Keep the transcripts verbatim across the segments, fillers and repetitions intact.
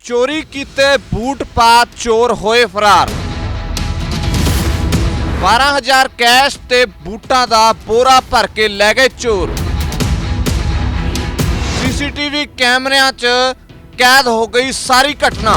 चोरी कीते बूट पा चोर होए फरार। बारह हजार कैश ते बूटां दा बोरा भर के लै गए चोर। सीसीटीवी कैमरिਆਂ च कैद हो गई सारी घटना।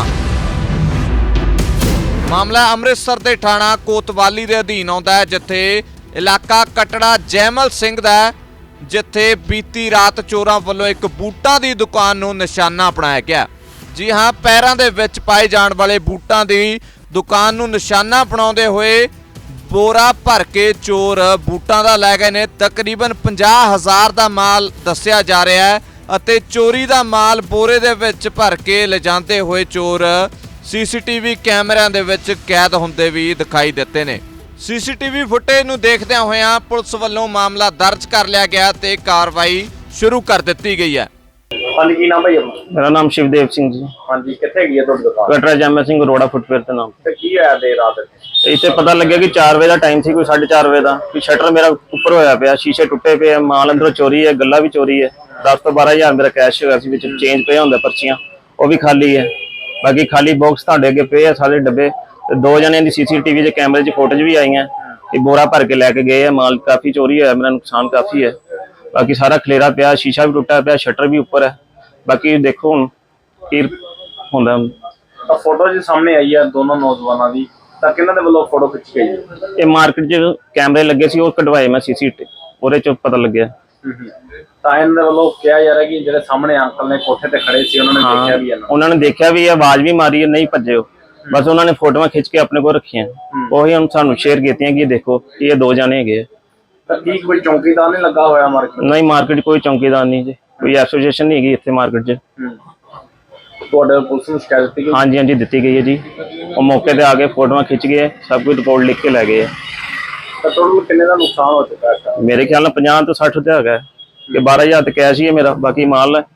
मामला अमृतसर दे थाणा कोतवाली दे अधीन आउंदा है, जिथे इलाका कटड़ा जैमल सिंह दा है, जिथे बीती रात चोरां वल्लों एक बूटां दी दुकान नूं निशाना अपनाया गया। जी हाँ, पैरां दे विच पाए जाण वाले बूटां दी दुकान नूं निशाना बनाउंदे होए बोरा भर के चोर बूटां दा लै गए ने। तकरीबन पचास हज़ार दा माल दस्सिया जा रहा है अते चोरी दा माल बोरे दे विच भर के ले जांदे होए चोर सीसीटीवी कैमरिਆਂ ਦੇ ਵਿੱਚ कैद ਹੁੰਦੇ ਵੀ दिखाई ਦਿੱਤੇ ਨੇ। सीसीटीवी फुटेज ਨੂੰ ਦੇਖਦਿਆਂ ਹੋਇਆਂ ਪੁਲਿਸ ਵੱਲੋਂ ਮਾਮਲਾ ਦਰਜ ਕਰ ਲਿਆ ਗਿਆ ਤੇ ਕਾਰਵਾਈ ਸ਼ੁਰੂ ਕਰ ਦਿੱਤੀ ਗਈ ਹੈ। ਹਾਂਜੀ, ਕੀ ਨਾਮ ਭਾਈ ਆਪਣਾ? मेरा नाम शिवदेव सिंह जी। ਹਾਂਜੀ, ਕਿੱਥੇ ਗਈ ਹੈ ਤੁਹਾਡੀ ਦੁਕਾਨ? कटरा जैमल सिंह रोड़ा फुटवेयर के नाम ਤੇ ਕੀ ਹੋਇਆ ਦੇਰ ਰਾਤ ਇੱਥੇ? इतने पता लगे कि चार बजे का टाइम सी, कोई साढ़े चार बजे का कि शटर मेरा उपर होया पिया, शीशे टुटे पे, माल अंदरों चोरी है, गल्ला भी चोरी है। दस तो बारह हजार मेरा कैश होया सी, विच चेंज पे होंदा, पर्चियां वो भी खाली है। बाकी खाली बॉक्स तुहाडे अगे पे है सारे डब्बे। ते दो जने दी सीसीटीवी के कैमरे च फोटोज भी आई हैं कि बोरा भर के लैके गए है। माल काफी चोरी होया, मेरा नुकसान काफी है। बाकी सारा खलेरा पिया, शीशा भी टुटा पिया, शटर भी उपर है। बाकी देखो हुण की हुंदा। ਤਾਂ ਫੋਟੋ ਜੀ ਸਾਹਮਣੇ ਆਈ ਹੈ ਦੋਨੋਂ ਨੌਜਵਾਨਾਂ ਦੀ, ਤਾਂ ਕਿਹਨਾਂ ਦੇ ਵੱਲੋਂ ਫੋਟੋ ਖਿੱਚੀ ਗਈ ਹੈ? ਇਹ ਮਾਰਕੀਟ 'ਚ ਕੈਮਰੇ ਲੱਗੇ ਸੀ, ਉਹ ਕਢਵਾਏ ਮੈਂ ਸੀਸੀਟੀ, ਉਹਦੇ 'ਚ ਪਤਾ ਲੱਗਿਆ। ਤਾਂ ਇਹਨਾਂ ਦੇ ਵੱਲੋਂ ਕਿਹਾ ਜਾ ਰਿਹਾ ਕਿ ਜਿਹੜੇ ਸਾਹਮਣੇ ਅੰਕਲ ਨੇ ਕੋਠੇ ਤੇ ਖੜੇ ਸੀ ਉਹਨਾਂ ਨੇ ਦੇਖਿਆ ਵੀ ਇਹਨਾਂ ਉਹਨਾਂ ਨੇ ਦੇਖਿਆ ਵੀ, ਆਵਾਜ਼ ਵੀ ਮਾਰੀ, ਨਹੀਂ ਭੱਜੇ ਉਹ, ਬਸ ਉਹਨਾਂ ਨੇ ਫੋਟੋਆਂ ਖਿੱਚ ਕੇ ਆਪਣੇ ਕੋਲ ਰੱਖੀਆਂ, ਉਹੀ ਹੁਣ ਸਾਨੂੰ ਸ਼ੇਅਰ ਕੀਤੀਆਂ ਕਿ ਦੇਖੋ ਇਹ ਦੋ ਜਾਣੇ ਹੈਗੇ ਆ। ਤਾਂ ਕੀ ਕੋਈ ਚੌਂਕੀਦਾਰ ਨਹੀਂ ਲੱਗਾ ਹੋਇਆ ਮਾਰਕੀਟ? ਨਹੀਂ, ਮਾਰਕੀਟ ਕੋਈ ਚੌਂਕੀਦਾਰ ਨਹੀਂ ਜੀ, ਕੋਈ ਐਸੋਸੀਏਸ਼ਨ ਨਹੀਂ ਹੈਗੀ ਇੱਥੇ ਮਾਰਕੀਟ 'ਚ। ਤੁਹਾਡੇ ਪੁਲਿਸ ਨੂੰ ਸ਼ਿਕਾਇਤ ਦਿੱਤੀ ਗਈ? ਹਾਂਜੀ ਹਾਂਜੀ ਦਿੱਤੀ ਗਈ ਹੈ ਜੀ, ਉਹ ਮੌਕੇ ਤੇ ਆ ਕੇ ਫੋਟੋਆਂ ਖਿੱਚ ਗਏ, ਸਭ ਕੁਝ ਰਿਪੋਰਟ ਲਿਖ ਕੇ ਲੈ ਗਏ ਆ। ਤਾਂ ਤੁਹਾਨੂੰ ਕਿੰਨੇ ਦਾ ਨੁਕਸਾਨ ਹੋ ਚੁੱਕਾ ਹੈ? ਮੇਰੇ ਖਿਆਲ ਨਾਲ ਪੰਜਾਹ ਤੋਂ ਸੱਠ ਤੇ ਹੈਗਾ ਕਿ ਬਾਰਾਂ ਹਜ਼ਾਰ ਤੇ ਕੈਸ਼ ਹੀ ਹੈ ਮੇਰਾ, ਬਾਕੀ ਮਾਲ ਹੈ।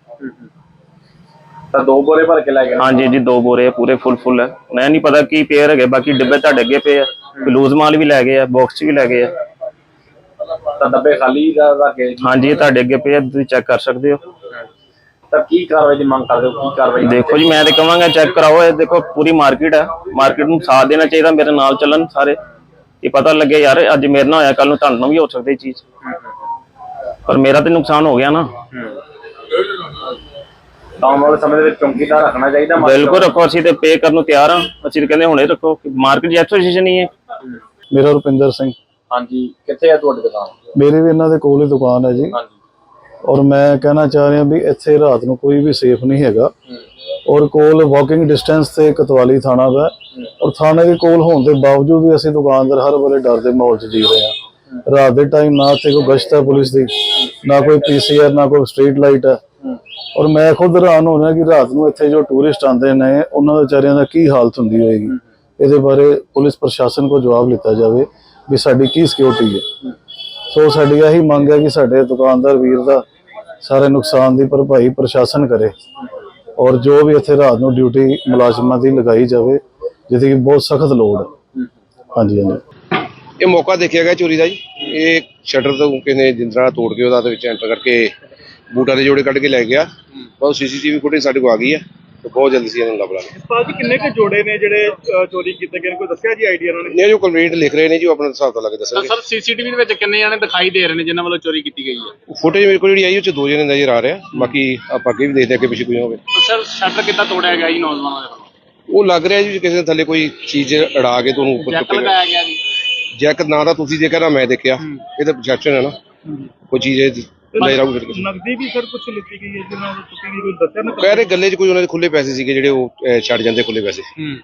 ਤਾਂ ਦੋ ਬੋਰੇ ਭਰ ਕੇ ਲੈ ਗਏ? ਹਾਂਜੀ ਜੀ, ਦੋ ਬੋਰੇ ਪੂਰੇ ਫੁੱਲ ਫੁੱਲ ਹੈ। ਮੈਂ ਨਹੀਂ ਪਤਾ ਕੀ ਪੇਅਰ ਹੈਗੇ, ਬਾਕੀ ਡੱਬੇ ਤੁਹਾਡੇ ਅੱਗੇ ਪਏ ਆ, ਲੂਜ਼ ਮਾਲ ਵੀ ਲੈ ਗਏ ਆ, ਬਾਕਸ ਵੀ ਲੈ ਗਏ ਆ। ਤਾਂ ਡੱਬੇ ਖਾਲੀ ਦਾ ਰੱਖੇ? ਹਾਂਜੀ, ਤੁਹਾਡੇ ਅੱਗੇ ਪਏ ਆ, ਤੁਸੀਂ ਚੈੱਕ ਕਰ ਸਕਦੇ ਹੋ। ਤਾਂ ਕੀ ਕਾਰਵਾਈ ਦੀ ਮੰਗ ਕਰਦੇ ਹੋ? ਕੀ ਕਾਰਵਾਈ? ਦੇਖੋ ਜੀ, ਮੈਂ ਤੇ ਕਹਾਂਗਾ ਚੈੱਕ ਕਰਾਓ, ਇਹ ਦੇਖੋ ਪੂਰੀ ਮਾਰਕੀਟ ਹੈ, ਮਾਰਕੀਟ ਨੂੰ ਸਾਥ ਦੇਣਾ ਚਾਹੀਦਾ, ਮੇਰੇ ਨਾਲ ਚੱਲਣ ਸਾਰੇ, ਇਹ ਪਤਾ ਲੱਗੇ ਯਾਰ ਅੱਜ ਮੇਰੇ ਨਾਲ ਹੋਇਆ ਕੱਲ ਨੂੰ ਤੁਹਾਨੂੰ ਵੀ ਹੋ ਸਕਦੀ ਚੀਜ਼, ਪਰ ਮੇਰਾ ਤੇ ਨੁਕਸਾਨ ਹੋ ਗਿਆ ਨਾ। ਤਾਂ ਆਉਣ ਵਾਲੇ ਸਮੇਂ ਦੇ ਵਿੱਚ ਚੌਂਕੀਦਾਰ ਰੱਖਣਾ ਚਾਹੀਦਾ? ਬਿਲਕੁਲ ਰੱਖੋ, ਅਸੀਂ ਤੇ ਪੇ ਕਰਨ ਨੂੰ ਤਿਆਰ ਹਾਂ, ਅਸੀਂ ਕਹਿੰਦੇ ਹੁਣੇ ਰੱਖੋ, ਮਾਰਕੀਟ ਐਸੋਸੀਏਸ਼ਨ ਹੀ ਹੈ। ਮੇਰਾ ਰੁਪਿੰਦਰ ਸਿੰਘ। ਹਾਂਜੀ, ਕਿੱਥੇ ਹੈ ਤੁਹਾਡੀ ਦੁਕਾਨ? ਮੇਰੀ ਵੀ ਇਹਨਾਂ ਦੇ ਕੋਲ ਹੀ ਦੁਕਾਨ ਹੈ ਜੀ। ਹਾਂਜੀ। ਔਰ ਮੈਂ ਕਹਿਣਾ ਚਾਹ ਰਿਹਾ ਵੀ ਇੱਥੇ ਰਾਤ ਨੂੰ ਕੋਈ ਵੀ ਸੇਫ ਨਹੀਂ ਹੈਗਾ। ਔਰ ਕੋਲ ਵਾਕਿੰਗ ਡਿਸਟੈਂਸ ਤੇ ਕੋਤਵਾਲੀ ਥਾਣਾ ਦਾ, ਔਰ ਥਾਣੇ ਦੇ ਕੋਲ ਹੋਣ ਦੇ ਬਾਵਜੂਦ ਵੀ ਅਸੀਂ ਦੁਕਾਨਦਾਰ ਹਰ ਵੇਲੇ ਡਰ ਦੇ ਮਾਹੌਲ 'ਚ ਜੀ ਰਹੇ ਹਾਂ। ਰਾਤ ਦੇ ਟਾਈਮ ਨਾ ਇੱਥੇ ਕੋਈ ਗਸ਼ਤ ਹੈ ਪੁਲਿਸ ਦੀ, ਨਾ ਕੋਈ ਪੀਸੀਆਰ, ਨਾ ਕੋਈ ਸਟਰੀਟ ਲਾਈਟ ਹੈ। ਔਰ ਮੈਂ ਖੁਦ ਹੈਰਾਨ ਹੋ ਰਿਹਾ ਕਿ ਰਾਤ ਨੂੰ ਇੱਥੇ ਜੋ ਟੂਰਿਸਟ ਆਉਂਦੇ ਨੇ ਉਹਨਾਂ ਦੇ ਵਿਚਾਰਿਆਂ ਦਾ ਕੀ ਹਾਲਤ ਹੁੰਦੀ ਹੋਏਗੀ। ਇਹਦੇ ਬਾਰੇ ਪੁਲਿਸ ਪ੍ਰਸ਼ਾਸਨ ਕੋਲ ਜਵਾਬ ਲਿੱਤਾ ਜਾਵੇ ਵੀ ਸਾਡੀ ਕੀ ਸਿਕਿਉਰਿਟੀ ਹੈ। ਸੋ ਸਾਡੀ ਇਹੀ ਮੰਗ ਹੈ ਕਿ ਸਾਡੇ ਦੁਕਾਨਦਾਰ ਵੀਰ ਦਾ ਸਾਰੇ ਨੁਕਸਾਨ ਦੀ ਭਰਪਾਈ ਪ੍ਰਸ਼ਾਸਨ ਕਰੇ, ਔਰ ਜੋ ਵੀ ਇੱਥੇ ਰਾਤ ਨੂੰ ਡਿਊਟੀ ਮੁਲਾਜ਼ਮਾਂ ਦੀ ਲਗਾਈ ਜਾਵੇ, ਜਿਹਦੀ ਕਿ ਬਹੁਤ ਸਖਤ ਲੋੜ ਹੈ। ਹਾਂਜੀ ਹਾਂਜੀ। ਇਹ ਮੌਕਾ ਦੇਖਿਆ ਗਿਆ ਚੋਰੀ ਦਾ ਜੀ। ਇਹ ਸ਼ਟਰ ਤੋਂ ਕਿਨੇ ਜਿੰਦਰਾ ਤੋੜ ਕੇ ਉਹਦਾ ਵਿੱਚ ਐਂਟਰ ਕਰਕੇ ਬੂਟਾਂ ਦੇ ਜੋੜੇ ਕੱਢ ਕੇ ਲੈ ਗਿਆ। ਬਹੁਤ ਸੀਸੀਟੀਵੀ ਫੁਟੇਜ ਸਾਡੇ ਕੋਲ ਆ ਗਈ ਹੈ, ਤੇ ਬਹੁਤ ਜਲਦੀ ਸੀ ਇਹਨਾਂ ਨੂੰ ਲੱਭ ਲਾਂਗੇ। ਭਾਜੀ ਕਿੰਨੇ ਕੁ ਜੋੜੇ ਨੇ ਜਿਹੜੇ ਚੋਰੀ ਕੀਤੇ ਗਏ ਨੇ, ਕੋਈ ਦੱਸਿਆ ਜੀ ਆਈਡੀਆ ਇਹਨਾਂ ਨੇ? ਨਹੀਂ, ਜੋ ਕੰਪਲੀਟ ਲਿਖ ਰਹੇ ਨੇ ਜੀ, ਉਹ ਆਪਣਾ ਹਿਸਾਬ ਤੋਂ ਲਾ ਕੇ ਦੱਸਣਗੇ। ਸਰ, ਸੀਸੀਟੀਵੀ ਦੇ ਵਿੱਚ ਕਿੰਨੇ ਜਾਣੇ ਦਿਖਾਈ ਦੇ ਰਹੇ ਨੇ ਜਿਨ੍ਹਾਂ ਵੱਲੋਂ ਚੋਰੀ ਕੀਤੀ ਗਈ ਹੈ? ਫੁਟੇਜ ਮੇਰੇ ਕੋਲ ਜਿਹੜੀ ਆਈ ਉਹ ਚ ਦੋ ਜਣੇ ਨਜ਼ਰ ਆ ਰਿਹਾ, ਬਾਕੀ ਆਪਾਂ ਅੱਗੇ ਵੀ ਦੇਖਦੇ ਅੱਗੇ ਪਿੱਛੇ ਕੋਈ ਹੋਵੇ। ਸਰ, ਸ਼ਟਰ ਕਿੱਦਾਂ ਤੋੜਿਆ ਗਿਆ ਜੀ ਨੌਜਵਾਨਾਂ ਦੇ ਵੱਲੋਂ? ਉਹ ਲੱਗ ਰਿਹਾ ਜੀ ਕਿਸੇ ਨੇ ਥੱਲੇ ਕੋਈ ਚੀਜ਼ ਅੜਾ ਕੇ ਤੁਹਾਨੂੰ ਉੱਪਰ ਜੈਕ ਲਗਾਇਆ ਗਿਆ ਜੀ? ਜੈਕ ਨਾ ਤਾਂ ਤੁਸੀਂ ਦੇਖਿਆ ਨਾ ਮੈਂ ਦੇਖਿਆ, ਇਹ ਤਾਂ ਪ੍ਰੋਜੈਕਸ਼ਨ ਹੈ ਨਾ, ਕੋਈ ਚੀਜ਼ ਲੈ ਰਾਉ ਫਿਰ ਕੇ। ਨਕਦੀ ਵੀ ਸਰ ਕੁਝ ਲਿੱਤੀ ਗਈ ਹੈ ਜਿਹਨਾਂ ਨੂੰ ਤੁਸੀਂ ਕੋਈ ਦੱਸਿਆ ਨਾ? ਕਹਿ ਰਹੇ ਗੱਲੇ 'ਚ ਕੋਈ ਉਹਨਾਂ ਦੇ ਖੁੱਲੇ ਪੈਸੇ ਸੀਗੇ ਜਿਹੜੇ ਉਹ ਛੱਡ ਜਾਂਦੇ ਖੁੱਲੇ ਪੈਸੇ।